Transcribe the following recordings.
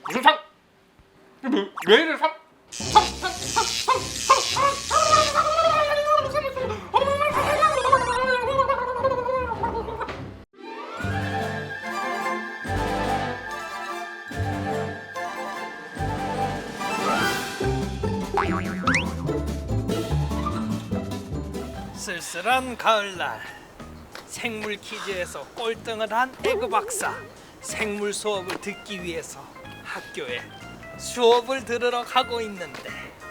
무슨 상? 왜 이래 상? 쓸쓸한 가을날, 생물 퀴즈에서 꼴등을 한 에그 박사. 생물 수업을 듣기 위해서 학교에 수업을 들으러 가고 있는데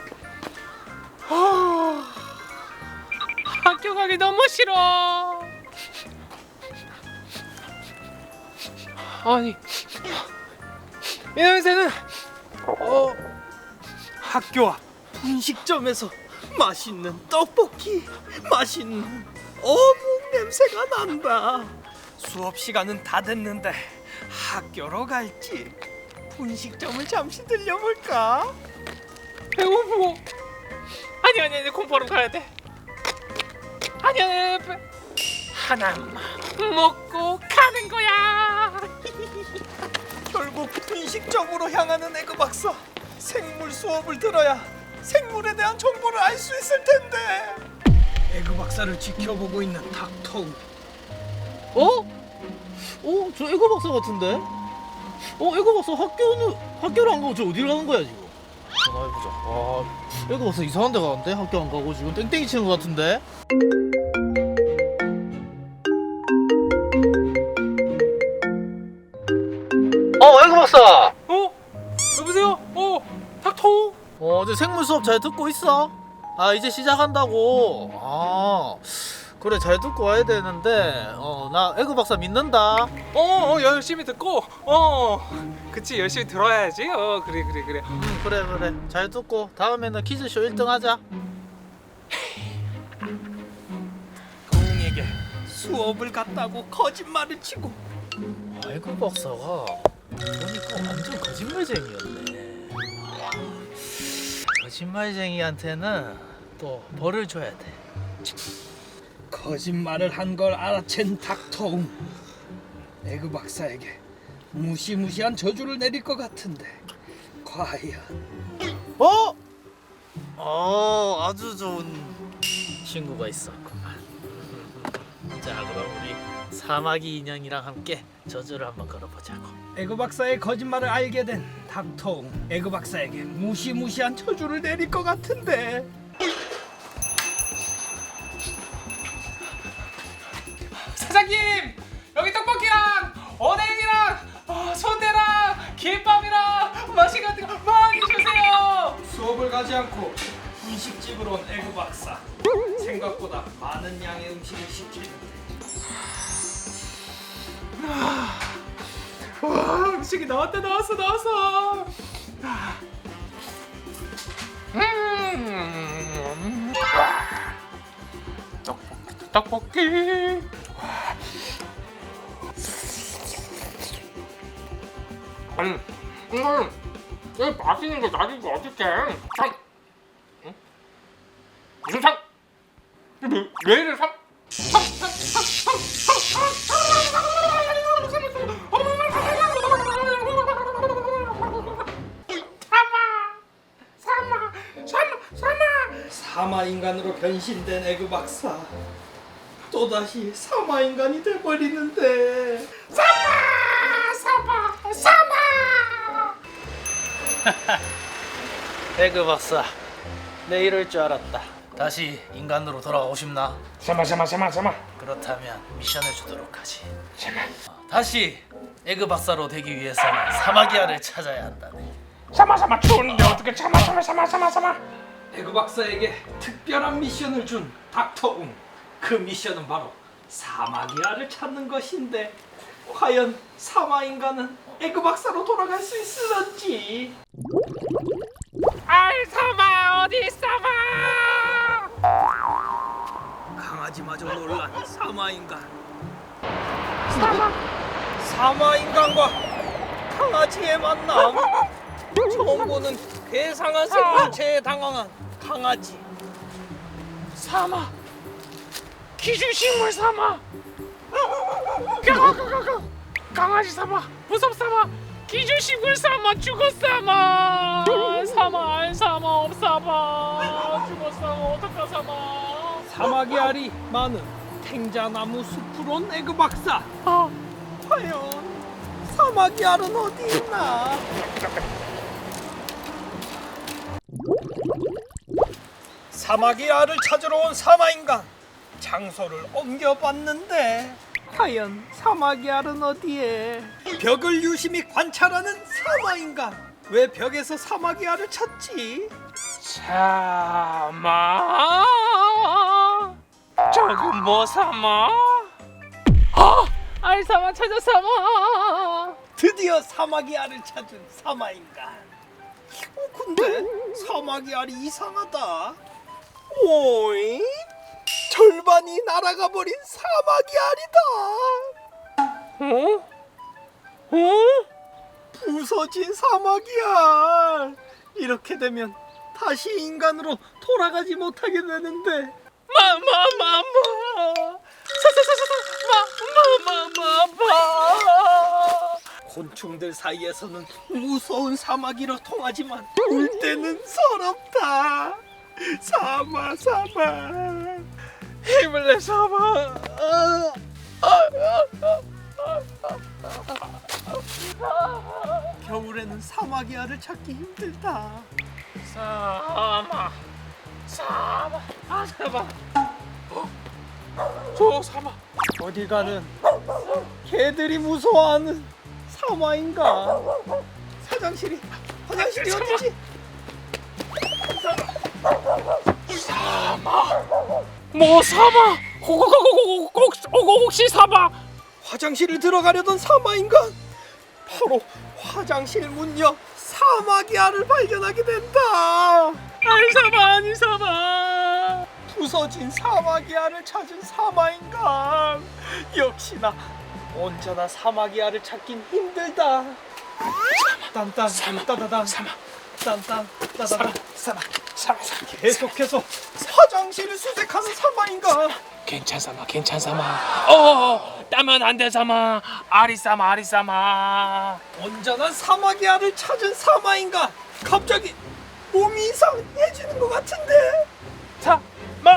학교 가기 너무 싫어. 아니, 이 냄새는 학교 앞 분식점에서 맛있는 떡볶이, 맛있는 어묵 냄새가 난다. 수업 시간은 다 됐는데 학교로 갈지 분식점을 잠시 들려볼까? 배고프고. 아니 공부하러 가야 돼. 아니 하나만 먹고 가는 거야. 결국 분식점으로 향하는 에그 박사. 생물 수업을 들어야 생물에 대한 정보를 알 수 있을 텐데. 에그 박사를 지켜보고 있는 닥터우. 저 에그 박사 같은데? 에그 박사 학교를 안 가고 저 어디를 가는 거야 지금? 전화해보자. 에그 박사 이상한 데 가는데? 학교 안 가고 지금 땡땡이 치는 거 같은데? 에그 박사! 여보세요? 닥터우? 저 생물 수업 잘 듣고 있어? 이제 시작한다고. 그래, 잘 듣고 와야 되는데 나 에그 박사 믿는다. 열심히 듣고 그치, 열심히 들어야지. 그래. 그래 잘 듣고 다음에는 퀴즈쇼 1등 하자. 동에게 수업을 갔다고 거짓말을 치고. 에그 박사가 보니까 완전 거짓말쟁이였네. 거짓말쟁이한테는 또 벌을 줘야 돼. 거짓말을 한 걸 알아챈 닥터웅. 에그 박사에게 무시무시한 저주를 내릴 것 같은데 과연. 아주 좋은 친구가 있었구만. 자, 그럼 우리 사마귀 인형이랑 함께 저주를 한번 걸어보자고. 에그 박사의 거짓말을 알게 된 닥터웅. 에그 박사에게 무시무시한 저주를 내릴 것 같은데. 사장님, 여기 떡볶이랑 어묵이랑 순대랑 김밥이랑 맛있는 같은 거 많이 주세요. 수업을 가지 않고 분식집으로 온 에그 박사. 생각보다 많은 양의 음식을 시키는데 와, 음식이 나왔어. 떡볶이. 아니, 여기 맛있는 거 놔두고 어떡해? 상? 응? 무슨 상? 왜 이래 상? 사마 인간으로 변신된 에그 박사. 또다시 사마 인간이 돼버리는데. 에그 박사, 내 이럴 줄 알았다. 다시 인간으로 돌아가고 싶나? 사마. 그렇다면 미션을 주도록 하지. 다시 에그 박사로 되기 위해서는 사마귀아를 찾아야 한다네. 사마 추운데 어떻게 사마. 에그 박사에게 특별한 미션을 준 닥터웅. 그 미션은 바로 사마귀아를 찾는 것인데 과연 사마 인간은 에그 박사로 돌아갈 수 있을런지. 아이 사마 어디 사마? 강아지마저 놀란 사마 인간. 사마 인간과 강아지의 만남. 처음 보는 괴상한 생물체에 당황한 강아지. 사마 기준식물 사마 강아지 사마 무섭사마 기주식을 삼아 죽었사마. 삼아 안 삼아 없사마. 죽었사마 어떡하사마. 사막의 알이 많은 탱자나무 숲으로 온 에그 박사. 과연 사막의 알은 어디 있나? 사막의 알을 찾으러 온 사마인간, 장소를 옮겨봤는데 과연 사막의 알은 어디에? 벽을 유심히 관찰하는 사마인간, 왜 벽에서 사막의 알을 찾지? 사마. 저건 뭐 사마? 알사마 찾았사마. 드디어 사막의 알을 찾은 사마인간. 근데 사막의 알이 이상하다. 오이? 절반이 날아가 버린 사막의 알이다. 부서진 사막의 알. 이렇게 되면 다시 인간으로 돌아가지 못하게 되는데. 곤충들 사이에서는 무서운 사마귀로 통하지만 울 때는 서럽다. 사마. 힘을 내 사마. 겨울에는 사마귀 알을 찾기 힘들다. 사마. 사마. 저 사마. 어디 가는 개들이 무서워하는 사마인가? 화장실이 어디지? 사마. 뭐 사마? 혹시 사마? 화장실을 들어가려던 사마인간, 바로 화장실 문 옆 사마귀 알을 발견하게 된다. 아니 사마. 부서진 사마귀 알을 찾은 사마인간, 역시나 온전한 사마귀 알을 찾긴 힘들다. 딴딴 따다단 딴딴 따다단 사마. 계속해서 화장실을 수색하는 사마인간. 괜찮사마. 따면 안 돼 사마. 아리사마. 온전한 사마귀 알을 찾은 사마인간, 갑자기 몸이 이상해지는 것 같은데. 사마.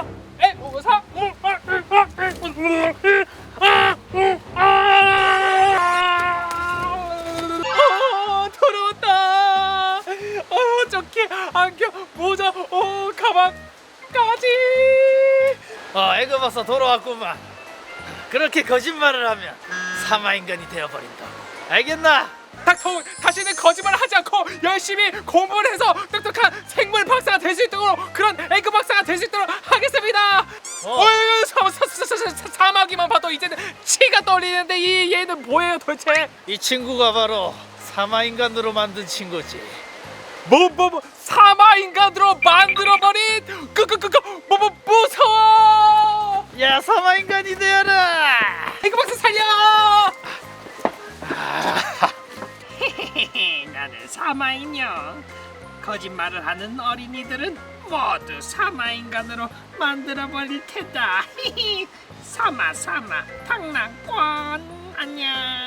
더러웠다. 저기 안경, 모자, 가방, 까지. 에그 박사 돌아왔구만. 그렇게 거짓말을 하면 사마인간이 되어버린다고. 알겠나? 닥터, 다시는 거짓말을 하지 않고 열심히 공부를 해서 똑똑한 생물 박사가 될 수 있도록, 그런 에그 박사가 될 수 있도록 하겠습니다. 사마귀만 봐도 이제는 치가 떨리는데 이 얘는 뭐예요 도대체? 이 친구가 바로 사마인간으로 만든 친구지. 뭐 사마인간으로 만들어버린 무서워. 야, 사마인간이 되어라. 에그 박사 살려. 나는 사마인형. 거짓말을 하는 어린이들은 모두 사마인간으로 만들어버릴 테다. 사마 장난권. 안녕.